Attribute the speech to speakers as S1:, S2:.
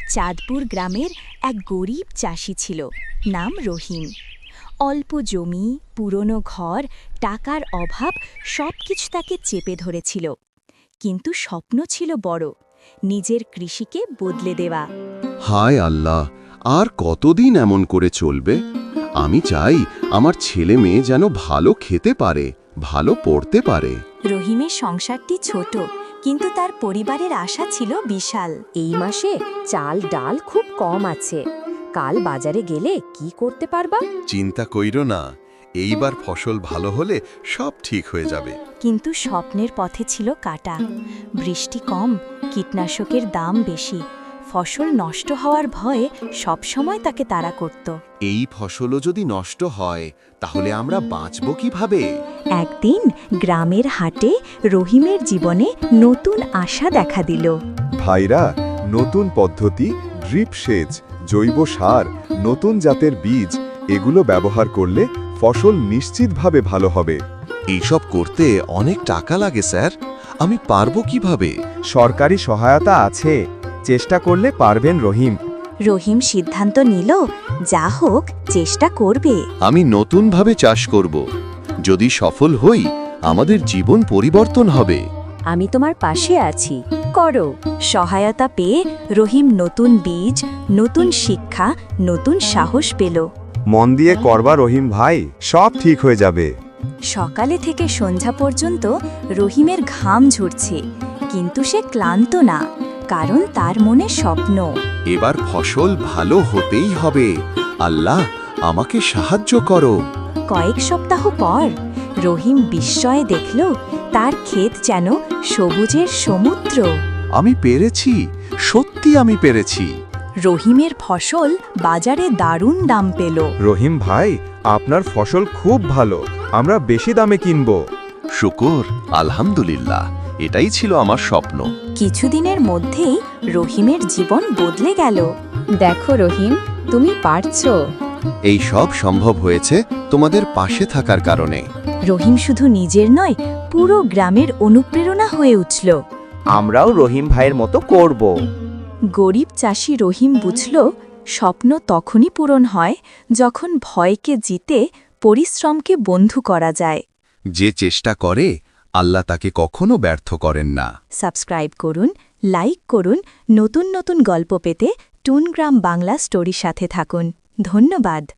S1: চাঁদপুর গ্রামের এক গরিব চাষি ছিল, নাম রহিম। অল্প জমি, পুরনো ঘর, টাকার অভাব সবকিছু তাকে চেপে ধরেছিল। কিন্তু স্বপ্ন ছিল বড়, নিজের কৃষিকে বদলে দেওয়া।
S2: হায় আল্লাহ, আর কতদিন এমন করে চলবে? আমি চাই আমার ছেলে মেয়ে যেন ভালো খেতে পারে, ভালো পড়তে পারে।
S1: রহিমের সংসারটি ছোট, কিন্তু তার পরিবারের আশা ছিল বিশাল।
S3: এই মাসে চাল ডাল খুব কম আছে, কাল বাজারে গেলে কি করতে পারবা?
S4: চিন্তা কইরো না, এইবার ফসল ভালো হলে সব ঠিক হয়ে যাবে।
S1: কিন্তু স্বপ্নের পথে ছিল কাটা। বৃষ্টি কম, কীটনাশকের দাম বেশি, ফসল নষ্ট হওয়ার ভয়ে সবসময় তাকে তাড়া করত।
S2: এই ফসলও যদি নষ্ট হয় তাহলে আমরা বাঁচব কিভাবে?
S1: একদিন গ্রামের হাটে রহিমের জীবনে নতুন আশা দেখা দিল।
S5: ভাইরা, নতুন পদ্ধতি, ড্রিপ সেচ, জৈব সার, নতুন জাতের বীজ এগুলো ব্যবহার করলে ফসল নিশ্চিতভাবে ভালো হবে।
S2: এইসব করতে অনেক টাকা লাগে স্যার, আমি পারবো কিভাবে?
S6: সরকারি সহায়তা আছে, চেষ্টা করলে পারবেন রহিম।
S1: রহিম সিদ্ধান্ত নিল, যা হোক চেষ্টা করবে।
S2: আমি নতুনভাবে চাষ করব। যদি সফল হই, আমাদের জীবন পরিবর্তন হবে।
S3: আমি তোমার পাশে আছি, করো।
S1: সহায়তা পেয়ে রহিম নতুন বীজ, নতুন শিক্ষা, নতুন সাহস পেল।
S6: মন দিয়ে করবা রহিম ভাই, সব ঠিক হয়ে যাবে।
S1: সকালে থেকে সন্ধ্যা পর্যন্ত রহিমের ঘাম ঝরছে, কিন্তু সে ক্লান্ত না, কারণ তার মনে স্বপ্ন।
S2: এবার ফসল ভালো হতেই হবে। আল্লাহ, আমাকে সাহায্য করো।
S1: কয়েক সপ্তাহ পর রহিম বিস্ময়ে দেখল তার ক্ষেত যেন সবুজের সমুদ্র।
S2: আমি পেরেছি, সত্যি আমি পেরেছি।
S1: রহিমের ফসল বাজারে দারুণ দাম পেল।
S6: রহিম ভাই, আপনার ফসল খুব ভালো, আমরা বেশি দামে কিনব।
S2: শুকর, আলহামদুলিল্লাহ, এটাই ছিল আমার স্বপ্ন।
S1: কিছুদিনের মধ্যেই রহিমের জীবন বদলে গেল।
S3: দেখো রহিম, তুমি পারছো।
S2: এই সব সম্ভব হয়েছে তোমাদের পাশে থাকার কারণে।
S1: রহিম শুধু নিজের নয়, পুরো গ্রামের অনুপ্রেরণা হয়ে উঠল।
S6: আমরাও রহিম ভাইয়ের মতো করব।
S1: গরিব চাষি রহিম বুঝল, স্বপ্ন তখনই পূরণ হয় যখন ভয়কে জিতে পরিশ্রমকে বন্ধু করা যায়।
S2: যে চেষ্টা করে, আল্লাহ তাকে কখনো ব্যর্থ করেন না।
S1: সাবস্ক্রাইব করুন, লাইক করুন, নতুন নতুন গল্প পেতে টুনগ্রাম বাংলা স্টোরির সাথে থাকুন। ধন্যবাদ।